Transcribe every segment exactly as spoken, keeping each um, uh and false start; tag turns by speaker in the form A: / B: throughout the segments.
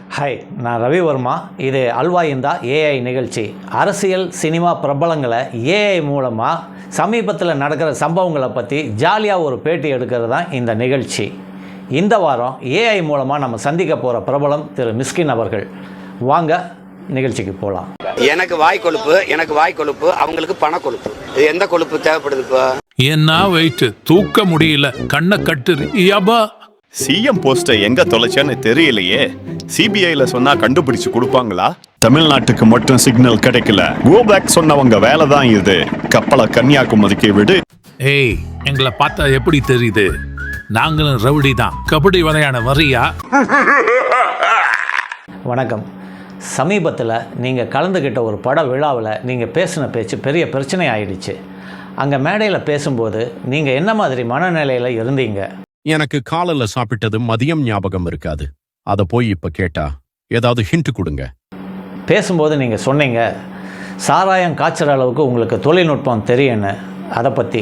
A: Hi, நான் ரவிவர்மா. இது அல்வா இந்தா ஏஐ நிகழ்ச்சி. அரசியல் சினிமா பிரபலங்களை ஏஐ மூலமாக சமீபத்தில் நடக்கிற சம்பவங்களை பற்றி ஜாலியாக ஒரு பேட்டி எடுக்கிறது தான் இந்த நிகழ்ச்சி. இந்த வாரம் ஏஐ மூலமாக நம்ம சந்திக்க போகிற பிரபலம் திரு மிஸ்கின் அவர்கள். வாங்க நிகழ்ச்சிக்கு போகலாம்.
B: எனக்கு வாய் கொழுப்பு எனக்கு வாய் கொழுப்பு அவங்களுக்கு பண கொழுப்பு. இது எந்த கொழுப்பு தேவைப்படுது? இப்போ
C: என்ன வெயிட் தூக்க முடியல, கண்ணை கட்டுது. யபா
D: சிஎம் போஸ்டை எங்க தொலைச்சேன்னு தெரியலையே. சிபிஐல சொன்னா கண்டுபிடிச்சு கொடுப்பாங்களா? தமிழ்நாட்டுக்கு மட்டும் சிக்னல் கிடைக்கல. கோ பேக் சொன்னவங்க வேலை தான் இது. கப்பலை கன்னியாகுமரிக்கு விடு.
C: ஏய், எங்களை பார்த்தா எப்படி தெரியுது? நாங்களும் ரவுடி தான். கபடி விளையாட வரியா?
A: வணக்கம். சமீபத்தில் நீங்கள் கலந்துக்கிட்ட ஒரு பட விழாவில் நீங்கள் பேசின பேச்சு பெரிய பிரச்சனை ஆயிடுச்சு. அங்கே மேடையில் பேசும்போது நீங்கள் என்ன மாதிரி மனநிலையில் இருந்தீங்க?
E: எனக்கு காலையில் சாப்பிட்டது மதியம் ஞாபகம் இருக்காது. அதை போய் இப்போ கேட்டா ஏதாவது ஹிண்ட் கொடுங்க.
A: பேசும்போது நீங்கள் சொன்னீங்க, சாராயம் காய்ச்சற அளவுக்கு உங்களுக்கு தொழில்நுட்பம் தெரியும்னு. அதை பற்றி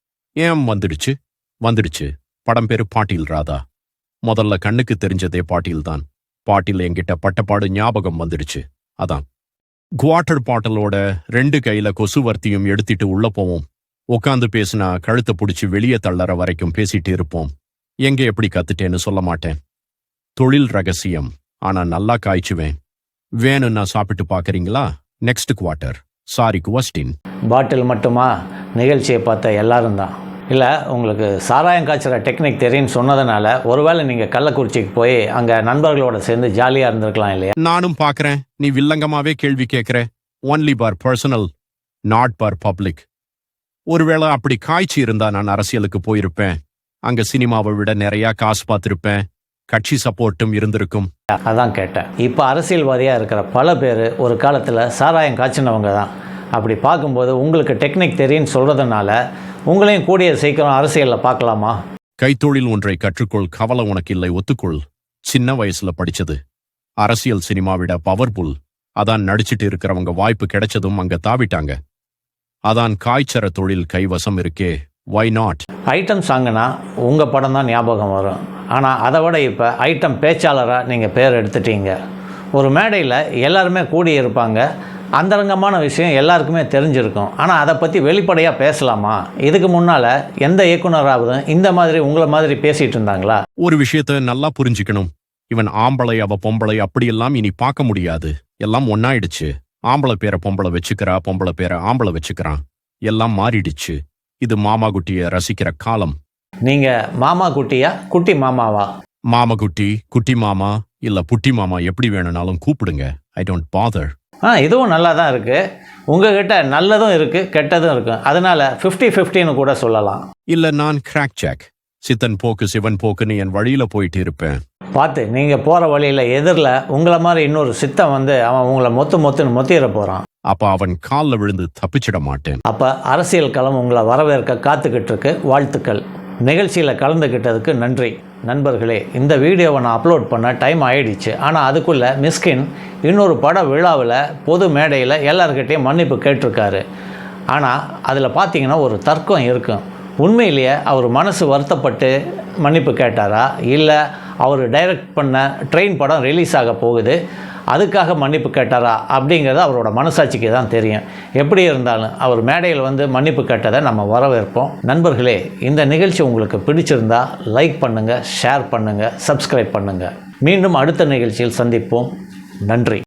E: ஏன் வந்துடுச்சு வந்துடுச்சு படம் பேரு பாட்டீல் ராதா. முதல்ல கண்ணுக்கு தெரிஞ்சதே பாட்டீல் தான். பாட்டில் என்கிட்ட பட்டப்பாடு ஞாபகம் வந்துடுச்சு. அதான் குவாட்டர் பாட்டலோட ரெண்டு கையில கொசுவர்த்தியும் எடுத்துட்டு உள்ள போவோம். உட்காந்து பேசினா கழுத்தை பிடிச்சி வெளியே தள்ளற வரைக்கும் பேசிட்டு இருப்போம். எங்க எப்படி கத்துட்டேன்னு சொல்ல மாட்டேன். தொழில் ரகசியம். ஆனா நல்லா காய்ச்சுவேன். வேணும்னா சாப்பிட்டு பாக்குறீங்களா? Next quarter. Sorry question.
A: Bottle மட்டுமா? நிகழ்ச்சியை பார்த்த எல்லாரும் தான். இல்லை, உங்களுக்கு சாராயம் காய்ச்சற டெக்னிக் தெரியும்னு சொன்னதுனால ஒருவேளை நீங்கள் கள்ளக்குறிச்சிக்கு போய் அங்கே நண்பர்களோட சேர்ந்து ஜாலியாக இருந்திருக்கலாம் இல்லையா?
E: நானும் பார்க்குறேன். நீ வில்லங்கமாவே கேள்வி கேட்குற. Only for personal, not for public. ஒருவேளை அப்படி காய்ச்சி இருந்தா நான் அரசியலுக்கு போயிருப்பேன். அங்க சினிமாவை விட நிறைய காசு பார்த்துருப்பேன். கட்சி சப்போர்ட்டும் இருந்திருக்கும்.
A: அதான் கேட்டேன். இப்போ அரசியல்வாதியாக இருக்கிற பல பேர் ஒரு காலத்தில் சாராயம் காய்ச்சினவங்க தான். அப்படி பார்க்கும்போது உங்களுக்கு டெக்னிக் தெரியும்னு சொல்கிறதுனால உங்களையும் கூடிய சீக்கிரம் அரசியலில் பார்க்கலாமா?
E: கைத்தொழில் ஒன்றை கற்றுக்கொள், கவலை உனக்கு இல்லை, ஒத்துக்கொள். சின்ன வயசுல படிச்சது. அரசியல் சினிமா விட பவர்ஃபுல். அதான் நடிச்சிட்டு இருக்கிறவங்க வாய்ப்பு கிடைச்சதும் அங்க தாவிட்டாங்க. அதான் காய்ச்சற தொழில் கைவசம் இருக்கே. Why not?
A: ஐட்டம் சாங்குனா உங்கள் படம் தான் ஞாபகம் வரும். ஆனால் அதை விட இப்போ ஐட்டம் பேச்சாளராக நீங்கள் பேர் எடுத்துட்டீங்க. ஒரு மேடையில் எல்லாருமே கூடி இருப்பாங்க. அந்தரங்கமான விஷயம் எல்லாருக்குமே தெரிஞ்சிருக்கும். ஆனால் அதை பற்றி வெளிப்படையாக பேசலாமா? இதுக்கு முன்னால் எந்த இயக்குனராவது இந்த மாதிரி உங்களை மாதிரி பேசிகிட்டு இருந்தாங்களா?
E: ஒரு விஷயத்த நல்லா புரிஞ்சுக்கணும். இவன் ஆம்பளை அவ பொம்பளை அப்படியெல்லாம் இனி பார்க்க முடியாது. எல்லாம் ஒன்னாயிடுச்சு. ஆம்பளை பேரை பொம்பளை வச்சுக்கிறா, பொம்பளை பேரை ஆம்பளை வச்சுக்கிறான். எல்லாம் மாறிடுச்சு. இது மாமா குட்டிய ரசிக்கிற காலம்.
A: நீங்கள் மாமா குட்டியா குட்டி மாமாவா?
E: மாமா குட்டி, குட்டி மாமா இல்ல புட்டி மாமா, எப்படி வேணும்னாலும் கூப்பிடுங்க. I don't father.
A: ஆ, இதுவும் நல்லா தான் இருக்குது. உங்ககிட்ட நல்லதும் இருக்குது, கெட்டதும் இருக்குது. அதனால் ஃபிஃப்டி ஃபிஃப்டின்னு கூட சொல்லலாம்.
E: இல்லை, நான் கிராக் ஜாக். சித்தன் போக்கு சிவன் போக்குன்னு என் வழியில் போயிட்டு இருப்பேன்.
A: பார்த்து, நீங்கள் போகிற வழியில் எதிரில் உங்களை மாதிரி இன்னொரு சித்தன் வந்து அவன் உங்களை மொத்து மொத்துன்னு மொத்திட போகிறான்.
E: அப்போ அவன் காலில் விழுந்து தப்பிச்சிட மாட்டேன்.
A: அப்போ அரசியல் களம் உங்களை வரவேற்க காத்துக்கிட்டு இருக்கு. வாழ்த்துக்கள். நிகழ்ச்சியில் கலந்துக்கிட்டதுக்கு நன்றி. நண்பர்களே, இந்த வீடியோவை நான் அப்லோட் பண்ண டைம் ஆகிடுச்சு. ஆனால் அதுக்குள்ளே மிஸ்கின் இன்னொரு பட விழாவில் பொது மேடையில் எல்லாருக்கிட்டையும் மன்னிப்பு கேட்டிருக்காரு. ஆனால் அதில் பார்த்தீங்கன்னா ஒரு தர்க்கம் இருக்கும். உண்மையிலேயே அவர் மனசு வருத்தப்பட்டு மன்னிப்பு கேட்டாரா, இல்லை அவர் டைரக்ட் பண்ண ட்ரெயின் படம் ரிலீஸ் ஆக போகுது அதுக்காக மன்னிப்பு கேட்டாரா அப்படிங்கிறது அவரோட மனசாட்சிக்கு தான் தெரியும். எப்படி இருந்தாலும் அவர் மேடையில் வந்து மன்னிப்பு கேட்டதை நம்ம வரவேற்போம். நண்பர்களே, இந்த நிகழ்ச்சி உங்களுக்கு பிடிச்சிருந்தா லைக் பண்ணுங்கள், ஷேர் பண்ணுங்கள், சப்ஸ்கிரைப் பண்ணுங்கள். மீண்டும் அடுத்த நிகழ்ச்சியில் சந்திப்போம். நன்றி.